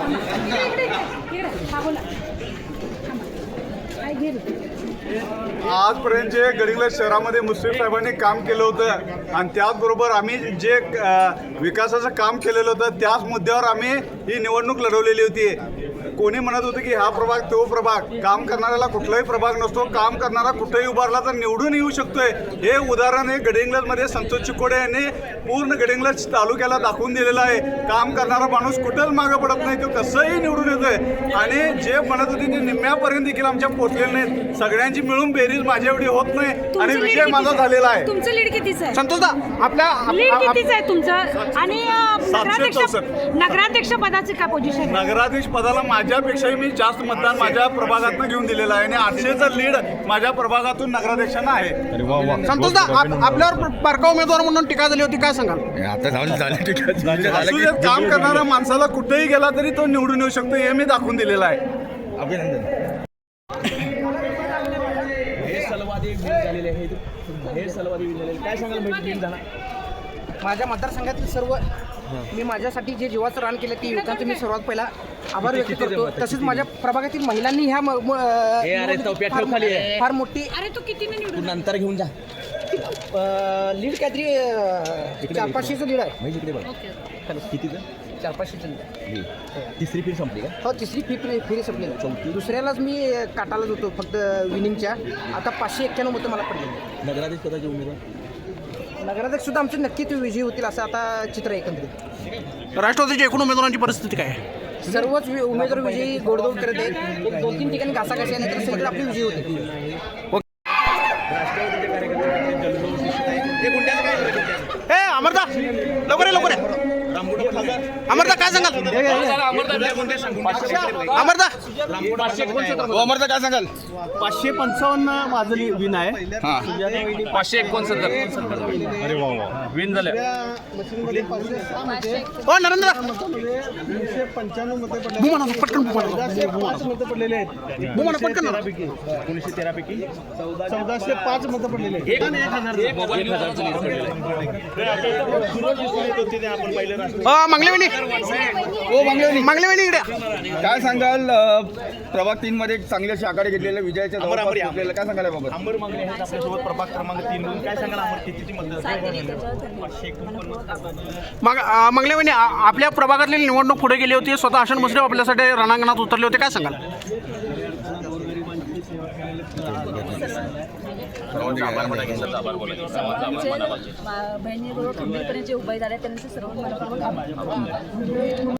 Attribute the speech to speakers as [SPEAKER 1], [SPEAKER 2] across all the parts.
[SPEAKER 1] आजपर्यंत जे गडिंग्लज शहरामध्ये मुश्रीफ साहेबांनी काम केलं होतं आणि त्याचबरोबर आम्ही जे विकासाचं काम केलेलं होतं त्याच मुद्द्यावर आम्ही ही निवडणूक लढवलेली होती. कोणी म्हणत होतं की हा प्रभाग तो प्रभाग, काम करणाऱ्याला कुठलाही प्रभाग नसतो, काम करणारा कुठेही उभारला तर निवडून येऊ शकतोय. हे उदाहरण हे गडिंग्लजमध्ये संतोष चिकोडे यांनी पूर्ण गडिंग्लज तालुक्याला दाखवून दिलेलं आहे. काम करणारा माणूस कुठंच मागं पडत नाही, तो कसंही निवडून येतोय. आणि जे म्हणत होते ते निम्म्यापर्यंत देखील आमच्या पोचलेले नाहीत. सगळ्यांची मिळून बेरीज माझ्या एवढी होत नाही आणि विजय माझा झालेला आहे.
[SPEAKER 2] तुमचं लीड कितीच आहे?
[SPEAKER 3] संतोषदा आपल्या
[SPEAKER 2] लीड कितीच आहे तुमचं? आणि
[SPEAKER 1] 764.
[SPEAKER 2] नगराध्यक्ष पदाचे काय पोझिशन?
[SPEAKER 1] नगराध्यक्ष पदाला माझ्यापेक्षाही मी जास्त मतदान माझ्या प्रभागातून घेऊन दिलेलं आहे आणि 800चं लीड माझ्या प्रभागातून नगराध्यक्षांना आहे.
[SPEAKER 3] संतोषदा आपल्यावर बारका उमेदवार म्हणून टीका झाली होती, काय सांगाल?
[SPEAKER 4] आता झाली
[SPEAKER 1] असू देत, काम करणाऱ्या माणसाला कुठेही गेला तरी तो निवडून येऊ शकतो हे मी दाखवून दिलेलं आहे.
[SPEAKER 4] अभिनंदन.
[SPEAKER 5] काय सांगाल? माझ्या मतदारसंघातील सर्व मी माझ्यासाठी जे जीवाचं रान केलं ते युवकांचं मी सर्वात पहिला आभार व्यक्त करतो. तसेच माझ्या प्रभागातील महिलांनी ह्या फार मोठी
[SPEAKER 2] अरे तू किती निवडून
[SPEAKER 4] नंतर घेऊन जा.
[SPEAKER 5] लीड काहीतरी 400-500चं लीड आहे.
[SPEAKER 4] कितीचं?
[SPEAKER 5] 400-500चं लीड.
[SPEAKER 4] तिसरी फेरी संपली का?
[SPEAKER 5] हो, तिसरी फेरी संपली. दुसऱ्यालाच मी काटालाच होतो फक्त विनिंगच्या. आता 591 मतं मला पडले.
[SPEAKER 4] नगराध्यक्ष पदाचे उमेदवार
[SPEAKER 5] नगराध्यक्ष सुद्धा आमचे नक्कीच विजयी होतील असं आता चित्र आहे एकंदरीत.
[SPEAKER 3] राष्ट्रवादीच्या एकूण उमेदवारांची परिस्थिती काय आहे?
[SPEAKER 5] सर्वच उमेदवार विजयी गोडदोड करत आहेत. एक 2-3 ठिकाणी घासाघाशी आहे, तर सगळे आपले विजयी होते.
[SPEAKER 3] अमरदा लवकर लवकर अमरदा काय सांगाल? अमरदा
[SPEAKER 4] अमरदा काय सांगाल?
[SPEAKER 6] 555 माझं विन आहे.
[SPEAKER 7] 569
[SPEAKER 6] अरे वा
[SPEAKER 7] विन झाले.
[SPEAKER 3] हो नरेंद्र
[SPEAKER 6] 295 मते पडले.
[SPEAKER 3] बुमाना पटकन बुमाना
[SPEAKER 6] 5 मतं पडलेले आहेत.
[SPEAKER 3] बुमाना पटकन
[SPEAKER 6] 1913 पैकी 1405 मतं पडलेले आहेत.
[SPEAKER 3] मागलेवाणी इकडे
[SPEAKER 4] काय सांगाल? प्रभाग 3 मध्ये चांगली अशी आघाडी घेतलेल्या विजयाच्या जवळपास पोहोचलेलं काय सांगाल बाबा?
[SPEAKER 6] अंबर मागले आहेत आपल्यासोबत प्रभाग क्रमांक 3 म्हणून. काय सांगाल अंबर कितीची मतं?
[SPEAKER 3] मागलेवाणी आपल्या प्रभागातली निवडणूक पुढे गेली होती. स्वतः आशन मुश्रीफ आपल्यासाठी रणांगणात उतरले होते, काय सांगाल?
[SPEAKER 2] बहिणीबरोबर खंबीरपणे जे उभे झाले त्यांचे सर्व मनापासून आभार.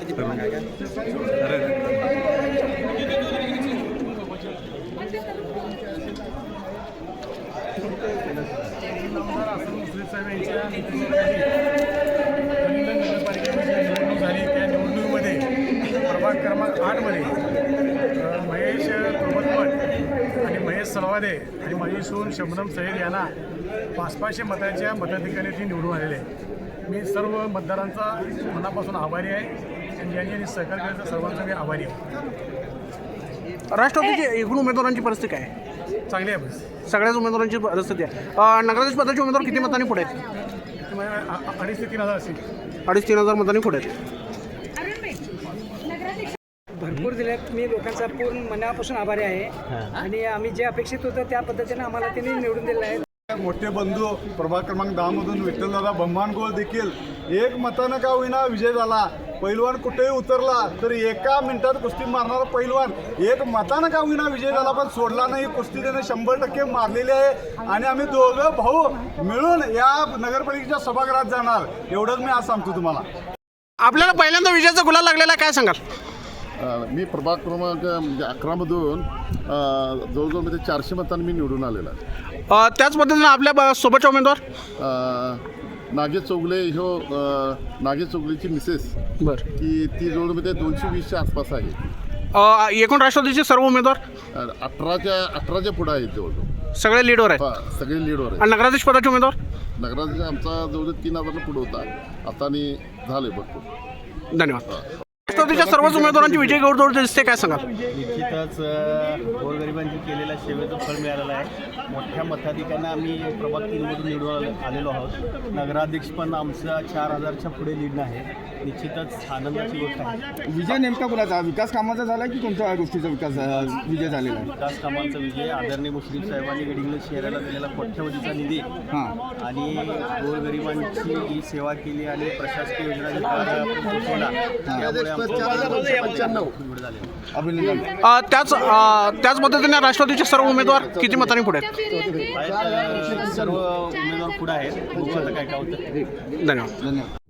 [SPEAKER 6] प्रभाग क्रमांक 8 मध्ये महेश तोमतपट आणि महेश सलवादे आणि माझी सून शबनम सैद यांना 500 मतांच्या मताधिकाने ती निवडून आलेले आहे. मी सर्व मतदारांचा मनापासून आभारी आहे आणि यांनी सहकार्य केल्याचा सर्वांचा मी आभारी आहे.
[SPEAKER 3] राष्ट्रवादीची एकूण उमेदवारांची परिस्थिती काय आहे?
[SPEAKER 6] चांगली आहे. बस
[SPEAKER 3] सगळ्याच उमेदवारांची परिस्थिती आहे. नगराध्यक्ष पदाचे उमेदवार किती मतांनी पुढे आहेत?
[SPEAKER 6] 2,500 ते 3,000 असेल.
[SPEAKER 3] 2,500-3,000 मतांनी पुढे आहेत.
[SPEAKER 5] भरपूर दिल्यात. मी लोकांचा पूर्ण मनापासून आभारी आहे आणि आम्ही जे अपेक्षित होतं त्या पद्धतीने आम्हाला त्यांनी निवडून दिलं आहे.
[SPEAKER 1] मोठे बंधू प्रभाग क्रमांक 10 मधून विठ्ठलदादा बंबानगोळ देखील एक मतानं का होईना विजय झाला. पैलवान कुठेही उतरला तरी एका मिनिटात कुस्ती मारणारा पैलवान एक मतानं का होईना विजय झाला, पण सोडला नाही. कुस्ती त्याने 100% मारलेली आहे आणि आम्ही दोघं भाऊ मिळून या नगरपालिकेच्या सभागृहात जाणार, एवढंच मी आज सांगतो तुम्हाला.
[SPEAKER 3] आपल्याला पहिल्यांदा विजयाचा गुलाल लागलेला आहे, काय सांगाल?
[SPEAKER 8] मी प्रभाग क्रमांक 11 मधून जवळजवळ म्हणजे 400 मतांनी मी निवडून आलेला आहे.
[SPEAKER 3] त्याच पद्धतीनं आपल्या सोबतचे उमेदवार
[SPEAKER 8] नागेश चौगले नागेश चौगलेची मिसेस
[SPEAKER 3] बरं
[SPEAKER 8] की ती जवळमध्ये 220च्या आसपास आहे.
[SPEAKER 3] एकूण राष्ट्रवादीचे सर्व उमेदवार
[SPEAKER 8] 18च्या पुढे आहेत जवळजवळ.
[SPEAKER 3] सगळे लीडवर आहेत.
[SPEAKER 8] सगळे लीडवर आहेत.
[SPEAKER 3] आणि नगराध्यक्ष पदाचे उमेदवार
[SPEAKER 8] नगराध्यक्ष आमचा जवळ 3,000 पुढे होता, आता आणि झाले भरपूर.
[SPEAKER 3] धन्यवाद. राष्ट्रवादीच्या सर्वच उमेदवारांची विजय गौरदौड दिसते, काय सांगाल?
[SPEAKER 7] निश्चितच गोरगरिबांची केलेल्या सेवेचं फळ मिळालेलं आहे. मोठ्या मताधिकांना आम्ही प्रभाग 3मधून निवडून आलेलो आहोत. नगराध्यक्ष पण आमचा 4000च्या पुढे लीड आहे. निश्चितच आनंदाची गोष्ट आहे.
[SPEAKER 4] विजय नेमका कोणाचा, विकास कामाचा झाला की कोणत्या गोष्टीचा विजय झालेला आहे?
[SPEAKER 7] विकास कामांचा विजय, आदरणीय मुश्रीफ साहेबांनी गडिंग्लज शहराला दिलेला कोट्यवधीचा निधी
[SPEAKER 4] हां,
[SPEAKER 7] आणि गोरगरिबांची ही सेवा केली आणि प्रशासकीय योजना जी पोहोचवला त्यामुळे आमचं निवड झाले.
[SPEAKER 4] अभिनंदन.
[SPEAKER 3] त्याच पद्धतीने राष्ट्रवादीचे सर्व उमेदवार किती मतांनी पुढे आहेत?
[SPEAKER 7] सर्व उमेदवार पुढे आहेत. बघू आता काय काय होतं.
[SPEAKER 3] धन्यवाद.
[SPEAKER 4] धन्यवाद.